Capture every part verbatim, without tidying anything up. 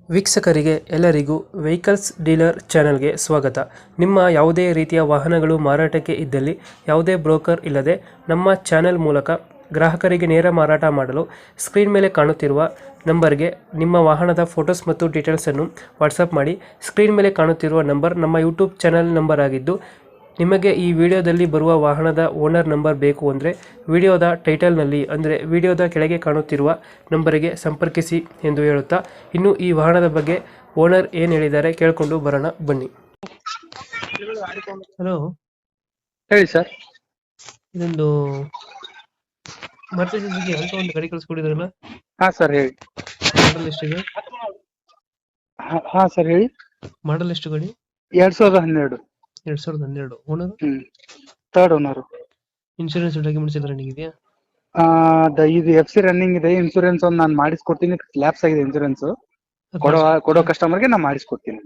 ವೀಕ್ಷಕರಿಗೆ ಎಲ್ಲರಿಗೂ vehicles dealer ಚಾನೆಲ್ಗೆ ಸ್ವಾಗತ. ನಿಮ್ಮ ಯಾವುದೇ ರೀತಿಯ ವಾಹನಗಳು ಮಾರಾಟಕ್ಕೆ ಇದ್ದಲ್ಲಿ ಯಾವುದೇ ಬ್ರೋಕರ್ ಇಲ್ಲದೆ ನಮ್ಮ ಚಾನೆಲ್ ಮೂಲಕ ಗ್ರಾಹಕರಿಗೆ ನೇರ ಮಾರಾಟ ಮಾಡಲು ಸ್ಕ್ರೀನ್ ಮೇಲೆ ಕಾಣುತ್ತಿರುವ ನಂಬರ್ಗೆ ನಿಮ್ಮ ವಾಹನದ ಫೋಟೋಸ್ ಮತ್ತು ಡೀಟೇಲ್ಸನ್ನು ವಾಟ್ಸಪ್ ಮಾಡಿ. ಸ್ಕ್ರೀನ್ ಮೇಲೆ ಕಾಣುತ್ತಿರುವ ನಂಬರ್ ನಮ್ಮ ಯೂಟ್ಯೂಬ್ ಚಾನೆಲ್ ನಂಬರ್ ಆಗಿದ್ದು, ನಿಮಗೆ ಈ ವಿಡಿಯೋದಲ್ಲಿ ಬರುವ ವಾಹನದ ಓನರ್ ನಂಬರ್ ಬೇಕು ಅಂದರೆ ವಿಡಿಯೋದ ಟೈಟಲ್ನಲ್ಲಿ ಅಂದರೆ ವಿಡಿಯೋದ ಕೆಳಗೆ ಕಾಣುತ್ತಿರುವ ನಂಬರಿಗೆ ಸಂಪರ್ಕಿಸಿ ಎಂದು ಹೇಳುತ್ತಾ, ಇನ್ನು ಈ ವಾಹನದ ಬಗ್ಗೆ ಓನರ್ ಏನು ಹೇಳಿದ್ದಾರೆ ಕೇಳಿಕೊಂಡು ಬರೋಣ ಬನ್ನಿ. ಹಲೋ, ಹೇಳಿ ಸರ್. ಇದೊಂದು ಮಾರುತಿ ಸುಜುಕಿ ಆಲ್ಟೋ ಒಂದು ಗಾಡಿ ಕಳಿಸ್ಕೊಡಿದ್ರಲ್ಲ, ಹಾ ಸರ್ ಹೇಳಿ. ಮಾಡಲ್ ಎಷ್ಟಿದೆ? ಹಾ- ಹಾ ಸರ್ ಹೇಳಿ. ಮಾಡಲ್ ಎಷ್ಟು ಗಾಡಿ? ಎರಡ್ ಸಾವಿರದ ಹನ್ನೆರಡು. ಎರಡ್ ಸಾವಿರದ ಹನ್ನೆರಡು. ಓನರ್? ಹ್ಮ್ ಥರ್ಡ್ ಓನರ್. ಇನ್ಶೂರೆನ್ಸ್ ಡಾಕ್ಯುಮೆಂಟ್ಸ್ ಎಲ್ಲ ರನ್ನಿಂಗ್ ಇದೆಯಾ? ಇದು ಎಫ್ ಸಿ ರನ್ನಿಂಗ್ ಇದೆ. ಇನ್ಸೂರೆನ್ಸ್ ಒಂದು ನಾನು ಮಾಡಿಸ್ಕೊಡ್ತೀನಿ. ಲ್ಯಾಪ್ಸ್ ಆಗಿದೆ ಇನ್ಸೂರೆನ್ಸ್. ಕೊಡೋ ಕೊಡೋ ಕಸ್ಟಮರ್ಗೆ ನಾನು ಮಾಡಿಸ್ಕೊಡ್ತೀನಿ.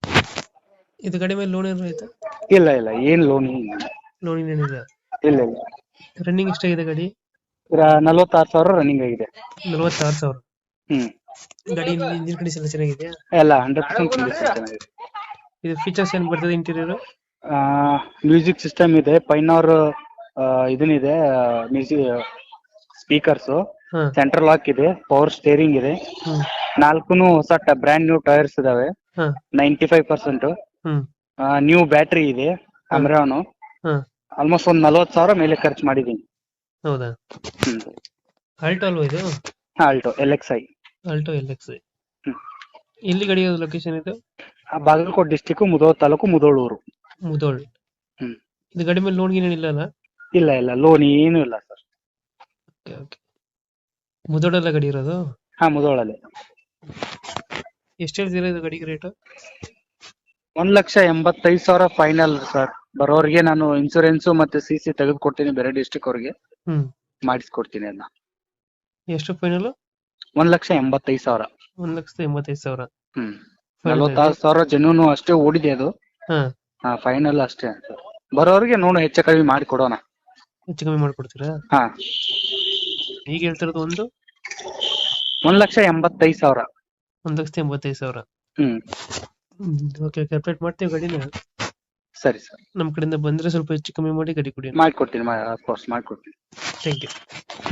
ಇದು ಗಾಡಿ ಮೇಲೆ ಲೋನ್ ಏನಾರು ಆಯ್ತಾ? ಇಲ್ಲ ಇಲ್ಲ ಏನ್ ಲೋನ್ ಇಲ್ಲ. ಲೋನ್ ಏನಿಲ್ಲ. ಇಲ್ಲ ಇಲ್ಲ. ರನ್ನಿಂಗ್ ಎಷ್ಟಾಗಿದೆ ಗಾಡಿ? ನಲವತ್ತಾರು ಸಾವಿರ ರನ್ನಿಂಗ್ ಆಗಿದೆ. ನಲವತ್ತಾರು ಸಾವಿರ. ಹ್ಮ್ ಗಾಡಿ ಇಂಜಿನ್ ಕಂಡೀಷನ್ ಎಲ್ಲ ಚೆನ್ನಾಗಿದೆಯಾ? ಎಲ್ಲ ಹಂಡ್ರೆಡ್ ಪರ್ಸೆಂಟ್ ಚೆನ್ನಾಗಿದೆ. ಇದು ಫೀಚರ್ಸ್ ಏನ್ ಬರ್ತದೆ ಇಂಟೀರಿಯರ್? ಮ್ಯೂಸಿಕ್ ಸಿಸ್ಟಮ್ ಇದೆ, ಪೈನವರ್ ಇದನ್ನಿದೆ, ಮ್ಯೂಸಿಕ್ ಸ್ಪೀಕರ್ಸ್, ಹಾ. ಸೆಂಟ್ರಲ್ ಲಾಕ್ ಇದೆ, ಪವರ್ ಸ್ಟೇರಿಂಗ್ ಇದೆ. ಹ್ಮ್ ನಾಲ್ಕುನು ಹೊಸ ಬ್ರ್ಯಾಂಡ್ ನ್ಯೂ ಟೈರ್ಸ್ ಇದಾವೆ. ಹಾ. ನೈಂಟಿ ಫೈವ್ ಪರ್ಸೆಂಟ್ ಹ್ಮ್ ನ್ಯೂ ಬ್ಯಾಟ್ರಿ ಇದೆ. ಅಮ್ರಾನು ಹಾ. ಆಲ್ಮೋಸ್ಟ್ ಒಂದ್ ನಲ್ವತ್ತು ಸಾವಿರ ಮೇಲೆ ಖರ್ಚು ಮಾಡಿದೀನಿ. ಹೌದಾ? ಹ್ಮ್ ಆಲ್ಟೋ ಅಲ್ವಾ ಇದು? Alto L X I. Alto L X. ಹ್ಮ್. ಎಲ್ಲಿ ಗಾಡಿ ಲೊಕೇಶನ್ ಇದು? ಬಾಗಲಕೋಟೆ ಡಿಸ್ಟಿಕ್, ಮುಧೋಳ ತಾಲೂಕು, ಮುಧೋಳೂರು. ಮುದೋಳ್. ಹ್ಮ್. ಇದು ಗಾಡಿ ಮೇಲೆ ಲೋನ್ ಗೀನ್ ಇಲ್ಲ ಅಲ್ಲ? ಇಲ್ಲ ಇಲ್ಲ ಲೋನ್ ಏನು ಇಲ್ಲ ಸರ್. Okay okay. ಮುದೋಳಲ್ಲ ಗಾಡಿ ಇರೋದು? ಹಾ ಮುಧೋಳಲ್ಲಿ. ಎಷ್ಟು ಹೇಳ್ತೀರಾ ಇದು ಗಾಡಿಗೆ ರೇಟ್? ಒಂದ್ ಲಕ್ಷ ಎಂಬತ್ತೈದು ಸಾವಿರ ಫೈನಲ್ ಸರ್. ಬರೋರಿಗೆ ನಾನು ಇನ್ಸೂರೆನ್ಸ್ ಮತ್ತೆ ಸಿ ಸಿ ತೆಗೆದು ಕೊಡ್ತೀನಿ. ಬೇರೆ ಡಿಸ್ಟಿಕ್ ಅವ್ರಿಗೆ ಹ್ಮ್ ಮಾಡಿಸ್ಕೊಡ್ತೀನಿ ಅದನ್ನ. ಎಷ್ಟು ಫೈನಲ್? ಒಂದ್ ಲಕ್ಷ ಎಂಬತ್ತೈದು ಸಾವಿರ. ಒಂದ್ ಲಕ್ಷದ ಎಂಬತ್ತೈದು ಸಾವಿರ. ಹ್ಮ್ ನಲವತ್ತಾರು ಸಾವಿರ ಜೆನ್ಯೂನು ಅಷ್ಟೇ ಓಡಿದೆ ಅದು. ಹಾ. ಹಾ ಫೈನಲ್ ಅಷ್ಟೇ ಸರ್. ಬರೋರಿಗೆ ನೋಡು ಹೆಚ್ಚು ಕಡಿಮೆ ಮಾಡಿ ಕೊಡೋಣ. ಹೆಚ್ಚು ಕಮ್ಮಿ ಮಾಡ್ಕೊಡ್ತೀರಾ? ಹಾ ಈಗ ಹೇಳ್ತಿರೋದು ಒಂದು ಒಂದ್ ಲಕ್ಷ ಎಂಬತ್ತೈದು ಸಾವಿರ. ಒಂದ್ ಲಕ್ಷದ ಎಂಬತ್ತೈದು ಸಾವಿರ. ಹ್ಮ್ ಓಕೆ ಓಕೆ, ಅಪ್ಡೇಟ್ ಮಾಡ್ತೀವಿ ಗಾಡಿನ. ಸರಿ ಸರ್. ನಮ್ಮ ಕಡೆಯಿಂದ ಬಂದ್ರೆ ಸ್ವಲ್ಪ ಹೆಚ್ಚು ಕಮ್ಮಿ ಮಾಡಿ ಗಾಡಿ ಕೊಡಿ. ಮಾಡ್ಕೊಡ್ತೀನಿ, ಅಫ್ಕೋರ್ಸ್ ಮಾಡ್ಕೊಡ್ತೀನಿ. Thank you.